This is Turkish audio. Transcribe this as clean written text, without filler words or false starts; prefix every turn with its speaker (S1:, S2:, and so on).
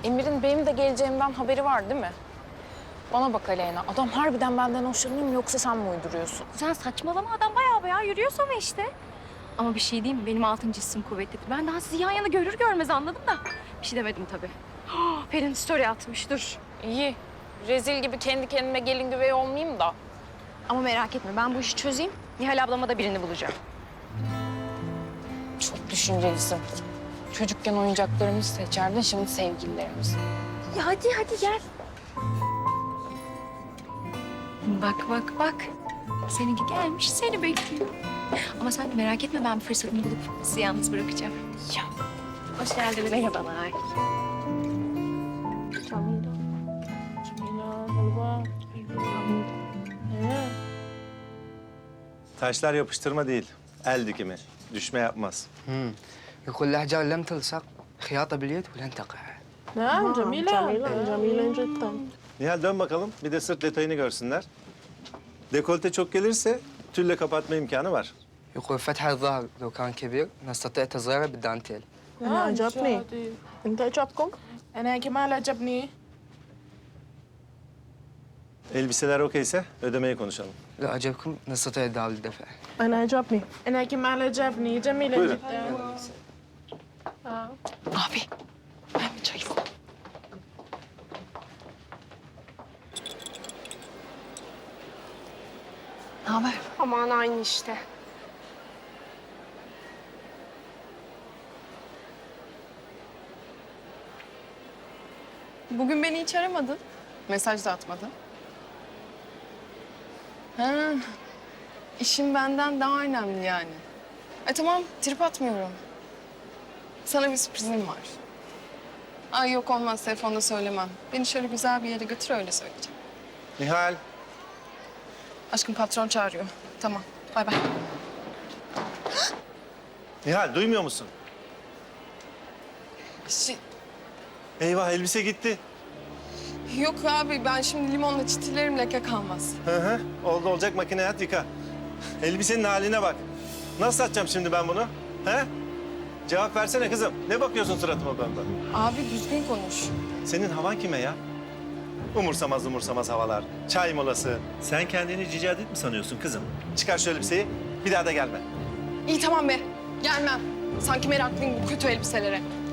S1: Emir'in benim de geleceğimden haberi var değil mi? Bana bak Aleyna, adam harbiden benden hoşlanıyor mu yoksa sen mi uyduruyorsun?
S2: Sen saçmalama, adam bayağı yürüyor sonra işte. Ama bir şey diyeyim mi? Benim altıncı hissim kuvvetli. Ben daha sizi yan yana görür görmez anladım da. Bir şey demedim tabii. Pelin story atmış, dur.
S1: İyi, rezil gibi kendi kendime gelin güvey olmayayım da.
S2: Ama merak etme, ben bu işi çözeyim. Nihal ablama da birini bulacağım.
S1: Çok düşüncelisin. Çocukken oyuncaklarımızı seçerdin, şimdi sevgililerimizi.
S2: Ya hadi gel. Bak. Seninki gelmiş, seni bekliyor. Ama sen merak etme, ben bir fırsatını bulup sizi yalnız bırakacağım.
S1: Ya.
S2: Hoş geldiniz. Merhabalar.
S3: Taşlar yapıştırma değil, el dikimi. Düşme yapmaz.
S4: يقول الأحجار لم تلصق خياطة باليد ولن تقع.
S5: نعم جميلة جميلة جدا.
S3: Nihal dön bakalım, bir de sırt detayını görsünler. Dekolte çok gelirse tülle kapatma imkanı var.
S4: يقول فتح الظهر لو كان كبير نستطيع تصغيره بالدانتيل.
S5: أنا عجبني. أنت عجبكم؟
S6: أنا كمال عجبني.
S3: Elbiseler okeyse ödemeyi konuşalım.
S4: لا عجبكم نستطيع دعوة الدفع.
S5: أنا عجبني.
S6: أنا كمال عجبني جميلة
S3: Buyurun.
S6: جدا.
S1: Abi, ben bir çay istedim. Ne haber?
S6: Aman aynı işte.
S7: Bugün beni hiç aramadın. Mesaj da atmadın. Ha, işin benden daha önemli yani. Tamam, trip atmıyorum. Sana bir sürprizim var. Ay yok olmaz, telefonda söylemem. Beni şöyle güzel bir yere götür, öyle söyleyeceğim.
S3: Nihal,
S7: Aşkım patron çağırıyor. Tamam, bay bay.
S3: Nihal duymuyor musun?
S7: Şey,
S3: Eyvah elbise gitti.
S7: yok abi, ben şimdi limonla çitilerim, leke kalmaz.
S3: Hı, oldu olacak makineye at yıka. Elbisenin haline bak. Nasıl satacağım şimdi ben bunu? He? Cevap versene kızım. Ne bakıyorsun suratıma benden?
S7: Abi düzgün konuş.
S3: Senin havan kime ya? Umursamaz havalar. Çay molası. Sen kendini Cici Hadid mi sanıyorsun kızım? Çıkar şu elbiseyi. Bir daha da gelme.
S7: İyi tamam be, gelmem. Sanki meraklıyım bu kötü elbiselere.